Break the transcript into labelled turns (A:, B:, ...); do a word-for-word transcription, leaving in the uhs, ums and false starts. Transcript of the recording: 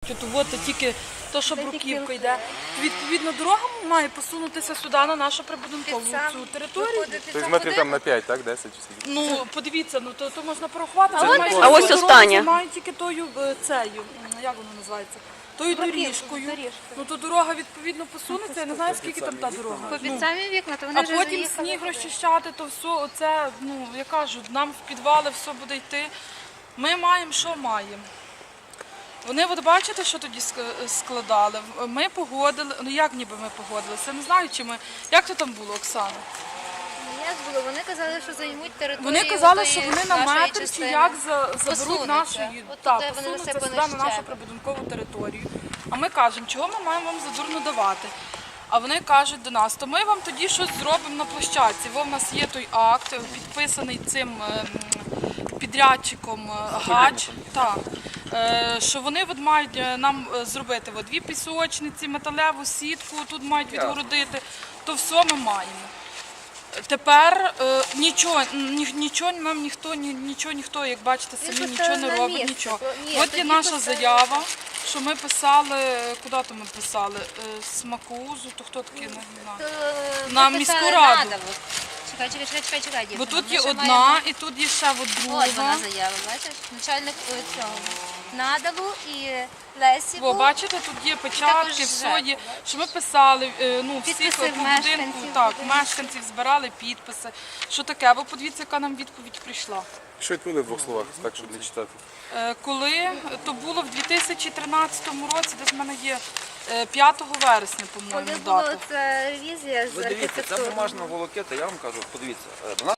A: кажуть, от от тільки то, що бруківка йде. Відповідно, дорога має посунутися сюди, на нашу прибудинкову цю територію.
B: Тобто метрів там на п'ять, так? десять чи скільки?
A: Ну, подивіться, ну то, то можна порахувати.
B: Це
A: але
B: не
A: майже
B: кожен.
C: А ось
A: всю дорогу
C: остання.
A: займають тільки тою е, цею, м, як воно називається? Тою доріжкою. Ну то дорога відповідно посунеться, я не знаю, скільки там та дорога.
D: Під самі вікна, то вони
A: А
D: вже
A: потім
D: заїхали.
A: сніг розчищати, то все, оце, ну, я кажу, нам в підвали все буде йти. Ми маємо, що маємо. Вони, от бачите, що тоді ск- складали? Ми погодили, ну як ніби ми погодилися, не знаю, чи ми, як то там було, Оксана?
D: Як було? Вони казали, що займуть територію.
A: Вони казали,
D: отої
A: що вони на
D: нашої
A: метр чи
D: частини.
A: як за- заберуть
D: Посунуться.
A: нашої,
D: От
A: так,
D: туди вони
A: посунуться
D: насипані
A: сюди на нашу
D: щебень.
A: прибудинкову територію. А ми кажемо, чого ми маємо вам задурно давати? А вони кажуть до нас, то ми вам тоді щось зробимо на площадці. Бо в нас є той акт, підписаний цим ем, підрядчиком е, ГАЧ, так, е, що вони от мають е, нам е, зробити от дві пісочниці, металеву сітку, тут мають відгородити, то все ми маємо. Тепер е, нічого, ні, нічого нам ніхто, ні, нічого ніхто, як бачите, самі
D: поставив
A: нічого не
D: на
A: робить,
D: місце.
A: нічого.
D: Ні,
A: От є
D: тоді
A: наша
D: поставив.
A: заява, що ми писали, куди то ми писали? Е, Смакоузу, то хто такий, не знаю.
D: То, е,
A: На
D: ми
A: міську
D: писали
A: раду.
D: надо, от. Чекай, чекай, чекай, чекай, чекай,
A: Бо
D: дівчина,
A: тут
D: ми
A: є
D: ще
A: одна
D: маємо-
A: і тут є ще от друга.
D: От вона заява, бачиш? Начальник е, цього. Надалу і Лесі.
A: О, бачите, тут є печатки,
D: також
A: все є, що ми писали, е, ну, всіх
D: Підписи
A: по будинку,
D: мешканців
A: так,
D: будинку.
A: мешканців збирали підписи. Що таке? Ви подивіться, яка нам відповідь прийшла.
B: Що відповіли в двох словах, так, щоб не читати?
A: Е, Коли то було в дві тисячі тринадцятому році, десь в мене є е, п'ятого вересня,
D: Коли
A: по-моєму,
D: була
A: дата.
D: ця ревізія з
E: Ви дивіться, це
D: архітектури.
E: бумажна волокета, я вам кажу, подивіться. е, до нас